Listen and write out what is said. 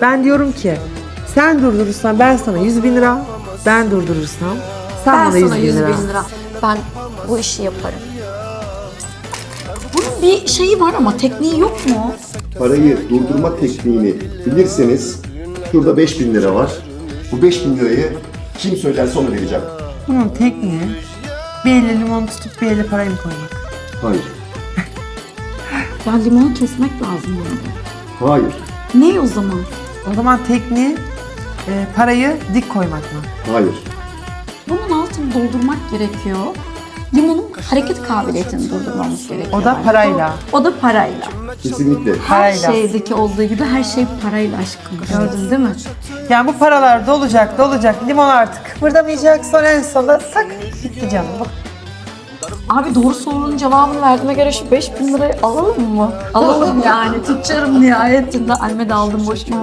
Ben diyorum ki sen durdurursan ben sana 100.000 lira, ben durdurursam sen Ben bana 100 sana bin 100 lira. bin lira. Ben bu işi yaparım. Bunun bir şeyi var ama tekniği yok mu? Parayı durdurma tekniğini bilirseniz şurada 5.000 lira var. Bu 5.000 lirayı kim söylerse ona vereceğim. Bunun tekniği bir elle limon tutup bir elle parayı mı koymak? Hayır. Ya limonu kesmek lazım bana. Hayır. Ne o zaman? O zaman tekniği parayı dik koymak mı? Hayır. Bunun altını doldurmak gerekiyor. Limonun hareket kabiliyetini durdurmamız gerekiyor. O da bence. parayla. O da parayla. Kesinlikle. Her Parayla. şeydeki olduğu gibi her şey parayla aşkım. Gördün değil mi? Yani bu paralar dolacak. Limon artık kıpırdamayacak. Sonra en sonunda tak bitti canım. Bu. Abi doğru sorunun cevabını verdiğime göre şu 5.000 lirayı alalım mı? Alalım yani. Tüccarım nihayetinde. Almeda aldım boşuna.